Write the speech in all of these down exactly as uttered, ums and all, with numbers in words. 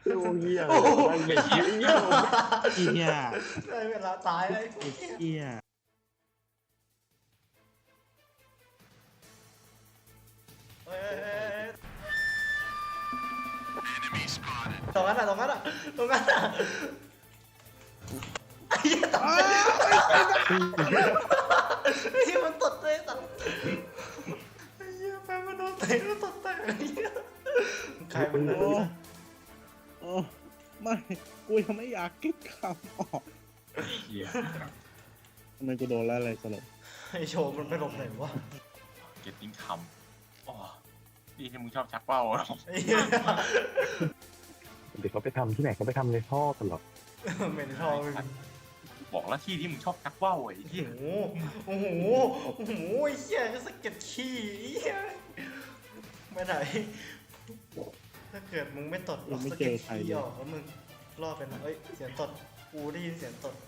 ลูกเหี้ยมันไม่เหี้ยเหี้ยเหี้ยได้เวลาตายแล้วเหี้ยเฮ้ยตรงนั้นอ่ะตรงนั้นอ่ะตรงนั้นอ่ะไอ้เหี้ยตดไอ้เหี้ยมันตดเลยตดไอ้เหี้ยแฟนมันโดนเตะแล้วตดแตกไอ้เหี้ยใครมันโอ้โอ้ไม่กูยังไม่อยากคิดคำออกเหี้ยทำไมกูโดนแล้วอะไรสลบไอ้โชว์มันไปหลบไหนวะเก็ตติ้งคำอ๋อนี่ที่มึงชอบชักเป้าเหรอไอ้เหี้ยเดี๋ยวเขาไปทำที่ไหนเขาไปทำในท่อกันหรอเหม็นทองเลยบอกแล้วที่ที่มึงชอบชักเป้าไอ้โอ้ที่โหโอ้โหโอ้โหไอ้เหี้ยก็สะเก็ดขี้ไอ้เหี้ยไม่ไหนถ้าเกิดมึงไม่ตดออกสะเก็ดขี้ออกแล้วมึงรอดไปนะเอ้ยเสียงตดกูได้ยินเสียงตด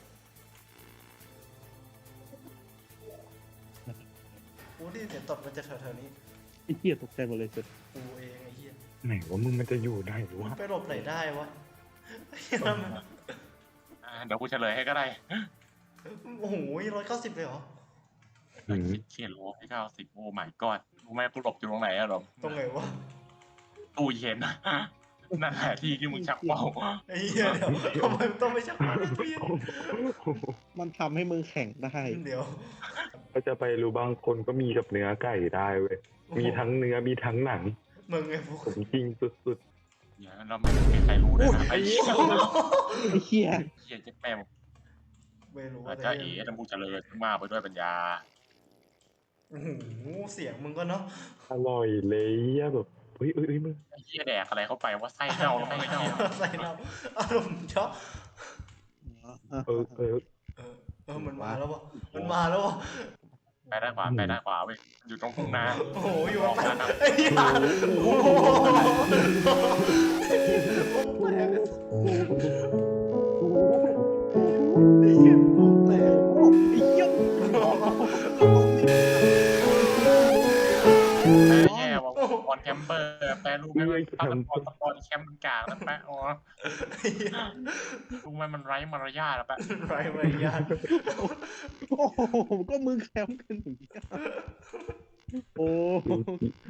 กูได้ยินเสียงตดมันจะแถวๆนี้ไอ้เหี้ยตกใจหมดเลยสุดกูเองไอ้เหี้ยไหนว่ามึงมันจะอยู่ได้หรือมัวะนไปหลบไหนได้วะไอ้เหี้ยมันอ่าเดี๋ยวกูเฉลยให้ก็ได้โอ้โหร้อยเก้าสิบเลยเหรออืมเขียนโลให้เก้าสิบโอ้ my god รู้ไหมกูหลบอยู่ตรงไหนอะหรอตรงไหนวะตู้เย็นนั่นแหละที่ที่มึงชักเป้าไอ้เหี้ยเดี๋ยวทำไมมันต้องไปชักมาในตู้เย็นมันทำให้มึงแข่งได้เดี๋ยวก็จะไปรู้บางคนก็มีกับเนื้อไก่ได้เว้ยมีทั้งเนื้อมีทั้งหนังมึงไงพวกผมจริงสุดเดี๋ยวเราไม่มีใครรู้เลยนะไอ้เหี้ยไอ้เหี้ยเหี้ยเจ็บแม่งไม่รู้อาว่าจจะเอ๋ต้องพูดเจริญมากไปด้วยปัญญาโอ้โหเสียงมึงก็เนาะๆอร่อยเลยอะแบบเฮ้ยเอ้ยเอ้ยมึงไอ้เหี้ยแดกอะไรเข้าไปว่าไส้เน่าแล้วไม่เน่าใส่น้ำอารมณ์ช็อกเออเออเออเออมันมาแล้ววะมันมาแล้ววะไปด้านขวาไปด้านขวาเว้ยอยู่ตรงทุ่งนาโอ้โหอยู่มันไปไอ้เหี้ยโอ้โหแตกไอ้เหี้ยแตกไอ้เหี้ยแย่ว่ะบอลแคมเปอร์แปลรูปไม่ว่าตอนบอลบอลแคมป์มันกลางแล้วแปะอ๋อรู้ไหมมันไร้มารยาทแล้วแปะไรมารยาทโอ้โหก็มึงแคมป์กันอย่างเงี้ยโอ้โห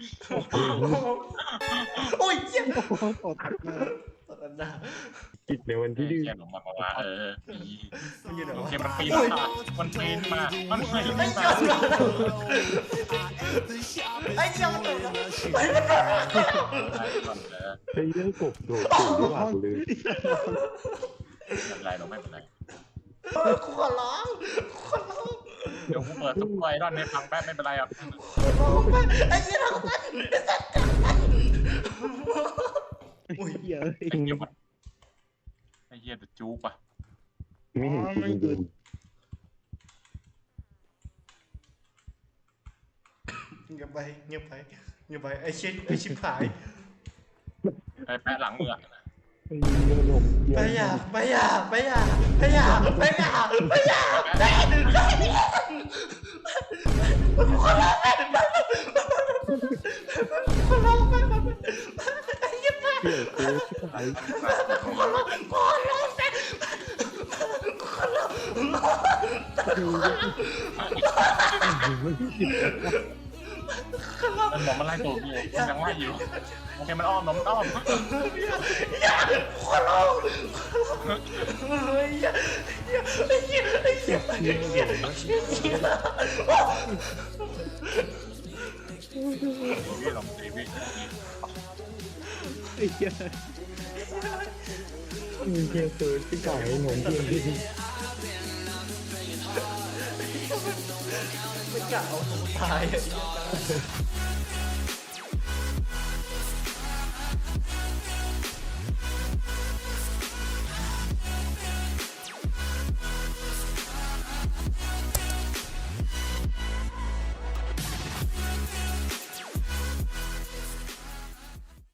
โอ้ยเหี้ยตดมาตอนนั้นนะกิจในวันที่ดื้อเขียนลงมาว่าเออมันอยู่ไหนวะเขียนมันปีนมามันปีนมามันปีนมาไอ้เหี้ยมันตกแล้วไอ้มันตกแล้วไอ้เรื่องกบโดดสูงหลังเลยไม่เป็นไรเราไม่เป็นไรกูขอร้องกูขอร้องเดี๋ยวกูเปิดซุปไวรอนในพังแป๊บไม่เป็นไรอ่ะขอร้องไปไอ้เหี้ยทำกันไอ้สัตว์กันอุ้ยเหี้ยไอ้เหี้ยมันไอ้เหี้ยจะจู๊ปะไม่เห็นจริงดูเงียบไปเงียบไปเงียบไปไอ้ชิบไอ้ชิบหายไอ้แปะหลังมือไอ้เรื่องลมเยี่ยไปมอย่าไปอย่าไปอย่าไปอย่าไปอย่าไปอย่าไปอย่าขอร้องไปขอร้องไปไอ้เหี้ยไปเกี่ยวกูชิบหายขอร้องขอร้องไปขอร้องมันบอกมันไล่ตัวกูมันยังไล่อยู่โอเคมันอ้อมมันอ้อมขอร้องเฮ้ยไอ้เหี้ยไอ้เหี้ยไอ้เหี้ยไอ้เหี้ยไอ้เหี้ยพี่ลองตีพี่ไอ้เหี้ยมีเกี่ยวเกิดที่ไก่หนมเทียนที่ไม่กล้าเอาตัวตาย